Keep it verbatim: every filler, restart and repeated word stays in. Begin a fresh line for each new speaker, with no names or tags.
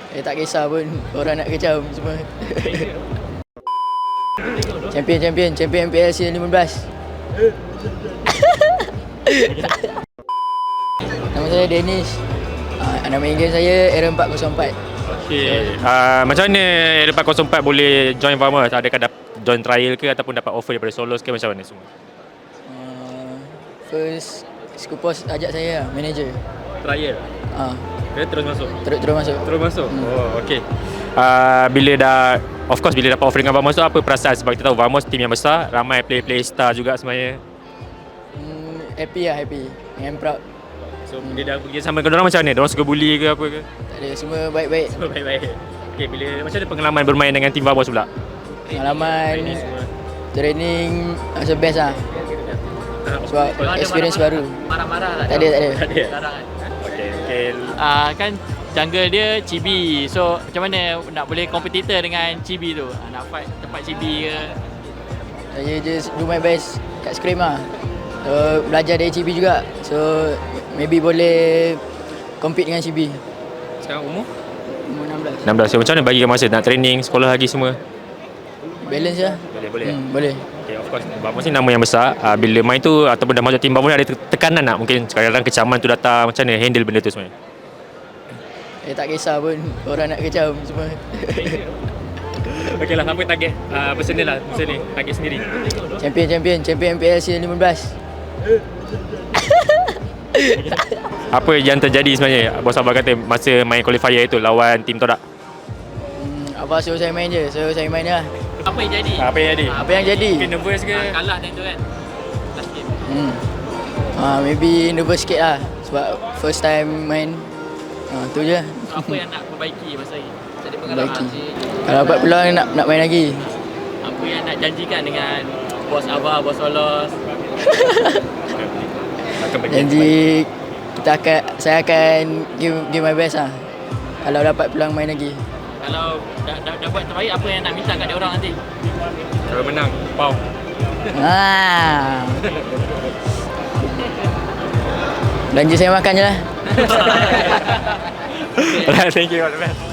Eh tak kisah pun orang nak kecam semua. Champion champion champion M P L season lima belas. Nama saya Danish. Uh, nama Inggeris saya Aaron empat kosong empat.
Okay. Uh, macam mana Aaron empat kosong empat boleh join Vamos? Adakah dapat join trial ke ataupun dapat offer daripada Solos ke, macam mana semua?
Uh, first Skupos ajak saya lah, manager.
Trial?
Uh,
Ke terus masuk?
terus terus masuk.
Terus masuk?
Hmm.
Oh, okay. Uh, bila dah, of course bila dapat offer dengan Vamos tu, apa perasaan? Sebab kita tahu Vamos tim yang besar, ramai player-player star juga sebenarnya.
Hmm, happy lah, happy. I'm proud.
So dia dah pergi sama dengan orang macam mana? Diorang suka bully ke apa ke?
Tak ada, semua baik-baik.
Semua baik-baik. Okay, bila, macam mana pengalaman bermain dengan tim Vamos pula?
Pengalaman
Training semua.
training rasa best lah. Sebab experience baru.
Marah-marah lah.
Tak ada, tak ada.
Tak ada?
Sekarang kan.
Okay, okay.
Ah, kan jungle dia Chibi. So macam mana nak boleh kompetitor dengan Chibi tu? Ah, nak fight tempat Chibi ke?
Saya just do my best kat scrim lah. So, belajar dari Chibi juga. So maybe boleh compete dengan Chibi.
Sekarang umur?
Umur enam belas.
enam belas. So, macam mana bagi masa nak training, sekolah lagi semua?
Balance lah.
Boleh, boleh.
Hmm, boleh.
Okay, of course. Vamos ni nama yang besar. Uh, bila main tu ataupun dah masuk tim Vamos ni, ada tekanan tak? Mungkin kadang-kadang kecaman tu datang. Macam mana handle benda tu sebenarnya?
Eh tak kisah pun orang nak kecam semua.
Okey lah, apa target uh, personal lah masa ni? Target sendiri.
Champion champion champion M P L season lima belas.
Apa yang terjadi sebenarnya? Bos Abah kata masa main qualifier itu lawan tim Todak.
Hmm, apa suruh saya main je. So saya main je lah.
Apa yang jadi?
Apa yang jadi?
Apa yang jadi?
Mungkin nervous ke?
Ah, kalah time tu kan. Last game.
Hmm. Ah, maybe nervous sikit lah. Sebab first time main. Ah, tu je.
So, apa yang nak perbaiki masa ni? Jadi pengalaman.
Perbaiki. Kalau dapat peluang nak nak main lagi.
Apa yang nak janjikan dengan bos Abah, bos Solos?
Janji kita akan saya akan give give my best lah. Kalau dapat peluang main lagi.
Kalau dah, dah, dah buat terbaik, apa yang nak minta kat dia orang nanti?
Kalau menang, pau.
Ah. Belanja saya makan je lah.
Thank you all the best.